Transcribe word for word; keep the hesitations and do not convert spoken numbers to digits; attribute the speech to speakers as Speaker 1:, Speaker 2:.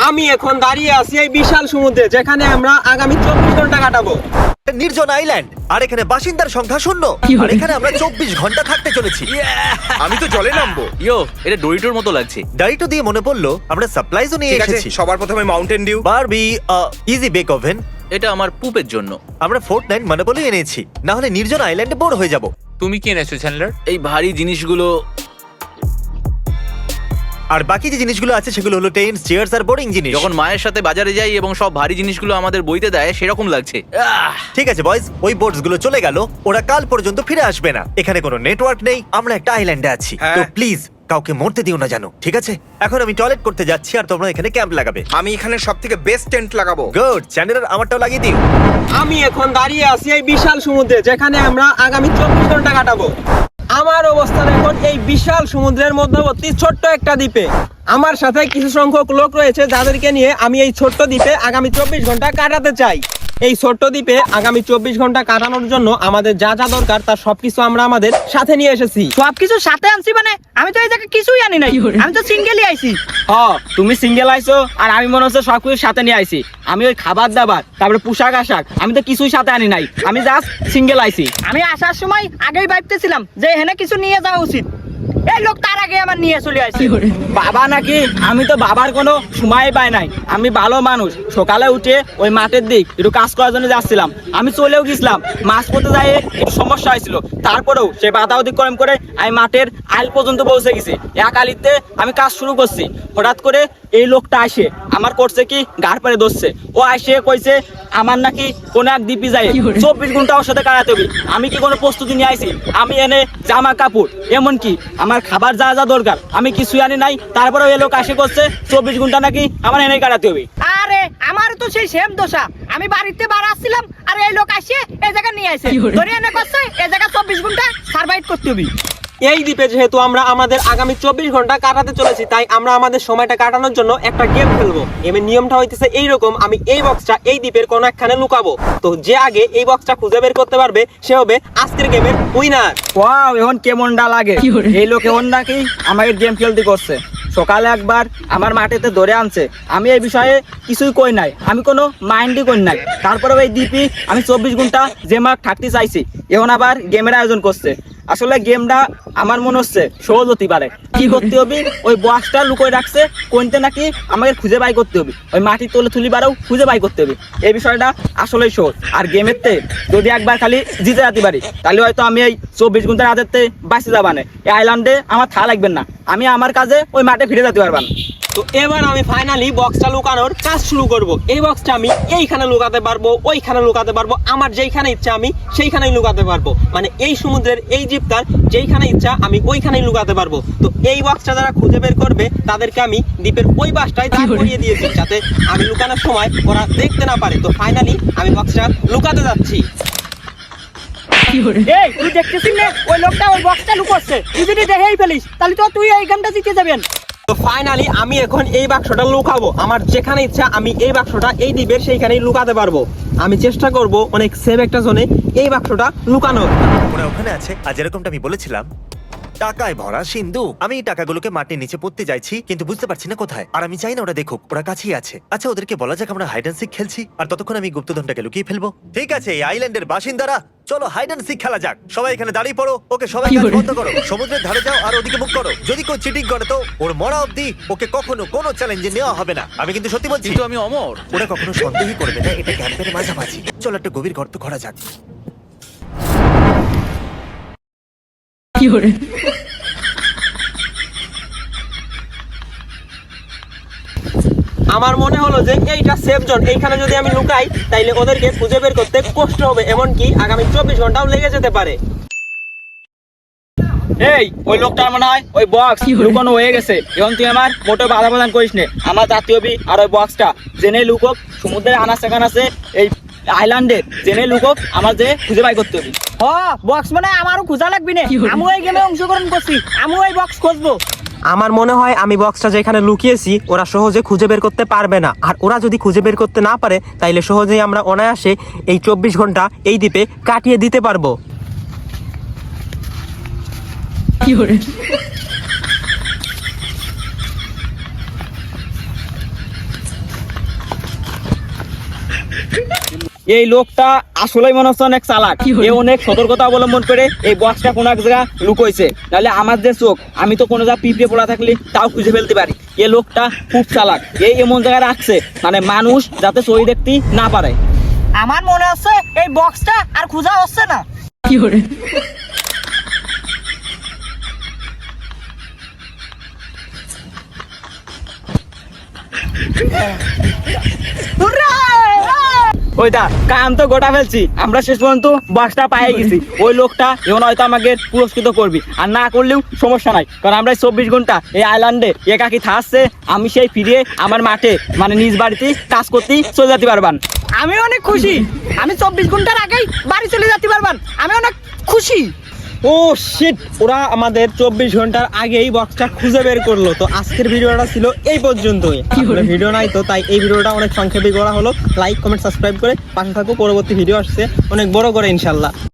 Speaker 1: আমি এখন দাঁড়িয়ে আছি এই বিশাল সমুদ্রে, যেখানে আমরা আগামী চব্বিশ ঘন্টা কাটাবো।
Speaker 2: নির্জন আইল্যান্ড, আর এখানে বাসিন্দার সংখ্যা শূন্য। আর এখানে আমরা চব্বিশ ঘন্টা থাকতে চলেছি।
Speaker 3: আমি তো জলে নামবো।
Speaker 4: ইয়ো, এটা ডোরিটোর মতো লাগছে।
Speaker 2: ডাইটো দিয়ে মনে পড়লো আমরা সাপ্লাইজও নিয়ে
Speaker 3: ঠিক আছে,
Speaker 2: এসেছি।
Speaker 3: সবার প্রথমে Mountain Dew.
Speaker 2: Barbie, Easy Bake Oven.
Speaker 4: এটা আমার পুপের জন্য।
Speaker 2: আমরা ফোর্ট নাইন মানে বলে এনেছি, না হলে নির্জন আইল্যান্ডে বোর হয়ে যাব।
Speaker 5: তুমি কি এনেছো চ্যান্ডলার?
Speaker 4: এই ভারী জিনিসগুলো।
Speaker 2: আর বাকি যে জিনিসগুলো আছে সেগুলো হলো টেন্স, চেয়ার্স আর বোরিং জিনিস।
Speaker 4: যখন মায়ের সাথে বাজারে যাই এবং সব ভারী জিনিসগুলো আমাদের বইতে দেয়, সেরকম লাগছে। আহ!
Speaker 2: ঠিক আছে বয়স, ওই বোটস গুলো চলে গেল, ওরা কাল পর্যন্ত ফিরে আসবে না। এখানে কোনো নেটওয়ার্ক নেই, আমরা একটা আইল্যান্ডে আছি।
Speaker 3: হ্যাঁ।
Speaker 2: তো প্লিজ কাউকে মরতে দিও না, জানো, ঠিক আছে? এখন আমি টয়লেট করতে যাচ্ছি আর তোমরা এখানে ক্যাম্প লাগাবে।
Speaker 3: আমি এখানে সব থেকে বেস্ট টেন্ট লাগাবো।
Speaker 2: গুড, চ্যানেলের আমারটাও লাগিয়ে দিও।
Speaker 1: আমি এখন দাঁড়িয়ে আছি এই বিশাল সমুদ্রে, যেখানে আমরা আগামী চব্বিশ ঘন্টা কাটাবো। আমার অবস্থান এখন এই বিশাল সমুদ্রের মধ্যবর্তী ছোট্ট একটা দ্বীপে। আমার সাথে কিছু সংখ্যক লোক রয়েছে, যাদেরকে নিয়ে আমি এই ছোট্ট দ্বীপে আগামী চব্বিশ ঘন্টা কাটাতে চাই। এই ছোট্ট দ্বীপে আগামী চব্বিশ ঘন্টা কাটানোর জন্য আমাদের যা যা দরকার তার সবকিছু আমরা আমাদের সাথে নিয়ে এসেছি।
Speaker 6: সবকিছু সাথে আনছি মানে? আমি তো এই জায়গায় কিছুই আনি নাই, আমি তো সিঙ্গেলই আইছি।
Speaker 1: হ, তুমি সিঙ্গেল আইছো আর আমি মনে হচ্ছে সবকিছু সাথে নিয়ে আইছি। আমি ওই খাবার দাবার, তারপরে পোশাক আশাক, আমি তো কিছুই সাথে আনি নাই, আমি জাস্ট সিঙ্গেল আইছি।
Speaker 6: আমি আসার সময় আগেই ভাবতেছিলাম যে এখানে কিছু নিয়ে যাওয়া উচিত। এই লোক তার আগে আমার নিয়ে চলে আসছে।
Speaker 1: বাবা নাকি? আমি তো বাবার কোনো সময় পাই নাই। আমি ভালো মানুষ, সকালে উঠে ওই মাঠের দিক একটু কাজ করার জন্য যাচ্ছিলাম। আমি চলেও গেছিলাম, মাছ পড়তে যাই একটু সমস্যা হয়েছিল, তারপরেও সে বাধা অতিক্রম করে আমি মাঠের আইল পর্যন্ত পৌঁছে গেছি। এক আলিতে আমি কাজ শুরু করছি, হঠাৎ করে এই লোকটা আসে আমার করছে কি গাড় পারে ধরছে। ও আসে কইছে আমার নাকি কোনো এক দ্বীপে যায় চব্বিশ ঘন্টা ওর সাথে কাটাতে হবে। আমি কি কোনো প্রস্তুতি নিয়ে আইছি? আমি এনে জামা কাপড়, এমনকি আমার খাবার যা যা দরকার আমি কিছুই আনি নাই। তারপরে ওই লোক আসে করছে চব্বিশ ঘন্টা নাকি আমার এনে কাটাতে হবে।
Speaker 6: আরে আমার তো সেই সেম দশা। আমি বাড়িতে বার আসছিলাম আর এই লোক আসে এই জায়গা নিয়ে আসে, ধরে এনে করছে এই জায়গা চব্বিশ ঘন্টা সার্ভাইভ করতে হবে।
Speaker 1: এই দ্বীপে যেহেতু আমরা আমাদের আগামী চব্বিশ ঘন্টা কাটাতে চলেছি, তাই আমরা আমাদের সময়টা কাটানোর জন্য একটা গেম খেলবো। এমনি নিয়মটা হইতেছে এইরকম, আমি এই বক্সটা এই দ্বীপের কোনো একখানে লুকাবো। তো যে আগে এই বক্সটা খুঁজে বের করতে পারবে সে হবে আজকের গেমের উইনার। ওয়াও, এখন কেমনটা লাগে? এই লোক এখন নাকি আমাকে গেম খেলতে করছে। সকালে একবার আমার মাঠেতে ধরে আনছে, আমি এই বিষয়ে কিছুই কই নাই, আমি কোনো মাইন্ডই করি নাই। তারপরে ওই দ্বীপে আমি চব্বিশ ঘন্টা যে মাঠ থাকতে চাইছি, এখন আবার গেমের আয়োজন করছে। আসলে গেমটা আমার মনে হচ্ছে সহজ হতে পারে। কি করতে হবে, ওই বক্সটা লুকোয় রাখছে, কোনটা নাকি আমাকে খুঁজে বাই করতে হবে, ওই মাটির তলে তুলি বাড়াও খুঁজে বাই করতে হবে। এই বিষয়টা আসলেই সহজ। আর গেমের তে যদি একবার খালি জিতে যেতে পারি, তাহলে হয়তো আমি এই চব্বিশ ঘন্টার হাতের তে বাঁচে যাবানে। এই আইল্যান্ডে আমার থা লাগবেন না, আমি আমার কাজে ওই মাঠে ফিরে যেতে পারবান। তো এবার আমি ফাইনালি বক্সটা লুকানোর কাজ শুরু করব। এই বক্সটা আমি এইখানে লুকাতে পারবো, ওইখানে লুকাতে পারবো, আমার যেইখানে ইচ্ছা আমি সেইখানেই লুকাতে পারবো। মানে এই সমুদ্রের এই দ্বীপটার যেইখানে ইচ্ছা আমি ওইখানেই লুকাতে পারবো। তো এই বক্সটা যারা খুঁজে বের করবে তাদেরকে আমি দ্বীপের ওই পাশটায় দাঁড় করিয়ে দিয়েছি, যাতে আমি লুকানোর সময় ওরা দেখতে না পারে। তো ফাইনালি আমি বক্সটা লুকাতে যাচ্ছি।
Speaker 6: এই তুই দেখতেছিস না ওই লোকটা ওই বক্সটা লুকোচ্ছে? তুই যদি দেখেই ফেলিস তাহলে তো তুই এই গেমটা জিতে যাবেন।
Speaker 1: তো ফাইনালি আমি এখন এই বাক্সটা লুকাবো। আমার যেখানে ইচ্ছা আমি এই বাক্সটা এই দ্বীপের সেইখানেই লুকাতে পারবো। আমি চেষ্টা করব অনেক সেভ একটা জোনে এই বাক্সটা লুকানোর।
Speaker 2: ওরা ওখানে আছে, আর যেরকমটা আমি বলেছিলাম টাকায় ভরা সিন্ধু। আমি এই টাকাগুলোকে মাটির নিচে পড়তে যাইছি, কিন্তু বুঝতে পারছি না কোথায়। আর আমি চাই না ওরা দেখুক, ওরা কাছেই আছে। আচ্ছা, ওদেরকে বলা যাক আমরা হাইড অ্যান্ড সিক খেলছি, আর ততক্ষণ আমি গুপ্তধনটাকে লুকিয়ে ফেলবো। ঠিক আছে, এই আইল্যান্ডের বাসিন্দারা, চলো হাইড অ্যান্ড সিক খেলা যাক। সবাই এখানে দাঁড়িয়ে পড়ো। ওকে, সবাই কাজ বন্ধ করো, সমুদ্রের ধারে যাও আর ওদিকে মুখ করো। যদি কেউ চিটিং করে তো ওর মরা অবধি ওকে কখনো কোনো চ্যালেঞ্জে নেওয়া হবে না। আমি কিন্তু সত্যি বলছি।
Speaker 4: কিন্তু আমি অমর।
Speaker 2: ওরা কখনো সন্দেহই করবে না, এটা ক্যাম্পের মাঝামাঝি। চলো একটা গভীর গর্ত করা যাক।
Speaker 6: কি করে
Speaker 1: আমার মনে হলো যে এইটা সেফ জোন, এইখানে যদি আমি লুকাই তাইলে ওদেরকে খুঁজে বের করতে কষ্ট হবে, এমনকি আগামী চব্বিশ ঘন্টাও লেগে যেতে পারে। এই ওই লোকটার মনে হয় ওই বক্স লুকানো হয়ে গেছে। এখন তুই আমার মোটো বাধা প্রদান করিস নে। আমার জাতীয় বি আর ওই বক্সটা জেনে লুকক, সমুদ্রের আনাচে কানাচে এই আইল্যান্ডে জেনে লুকক, আমার যে খুঁজে বাই করতে হবে।
Speaker 6: হ বক্স মানে আমারও খোঁজা লাগবে না, আমি এই গেমে অংশগ্রহণ করছি, আমি এই বক্স খুঁজবো।
Speaker 1: আমার মনে হয় আমি বক্সটা যেখানে লুকিয়েছি ওরা সহজে খুঁজে বের করতে পারবে না। আর ওরা যদি খুঁজে বের করতে না পারে তাইলে সহজেই আমরা অনায়াসে এই চব্বিশ ঘন্টা এই দ্বীপে কাটিয়ে দিতে পারবো।
Speaker 6: কি করে
Speaker 5: এই লোকটা আসলেই মনে হচ্ছে অনেক চালাক। এ অনেক সতর্কতা অবলম্বন করে এই বক্সটা কোনো এক জায়গা লুকোইছে, নাহলে আমার যে চোখ আমি তো কোনো জায়গা পিঁপড়ে পড়া থাকলে তাও খুঁজে ফেলতে পারি। এই লোকটা খুব চালাক, এই এমন জায়গায় রাখছে মানে মানুষ যাতে চোখ দেখতে না পারে।
Speaker 6: আমার মনে হচ্ছে এই বক্সটা আর খোঁজা হচ্ছে না।
Speaker 5: ওই দা কাম তো গোটা ফেলছি, আমরা শেষ পর্যন্ত বক্সটা পাই গেছি। ওই লোকটা এখন হয়তো আমাকে পুরস্কৃত করবি, আর না করলেও সমস্যা নাই, কারণ আমরা চব্বিশ ঘন্টা এই আইল্যান্ডে একাকি থাকছে, আমি সেই ফিরে আমার মাঠে মানে নিজ বাড়িতে কাজ করতে চলে যেতে পারবান।
Speaker 6: আমি অনেক খুশি, আমি চব্বিশ ঘন্টার আগেই বাড়ি চলে যেতে পারবান, আমি অনেক খুশি।
Speaker 1: ও শিট, ওরা আমাদের চব্বিশ ঘন্টার আগেই বক্সটা খুঁজে বের করলো। তো আজকের ভিডিওটা ছিল এই পর্যন্তই। আসলে ভিডিও নাই তো তাই এই ভিডিওটা অনেক সংক্ষেপে করা হলো। লাইক কমেন্ট সাবস্ক্রাইব করে পাশে থাকো, পরবর্তী ভিডিও আসছে অনেক বড় করে ইনশাল্লাহ।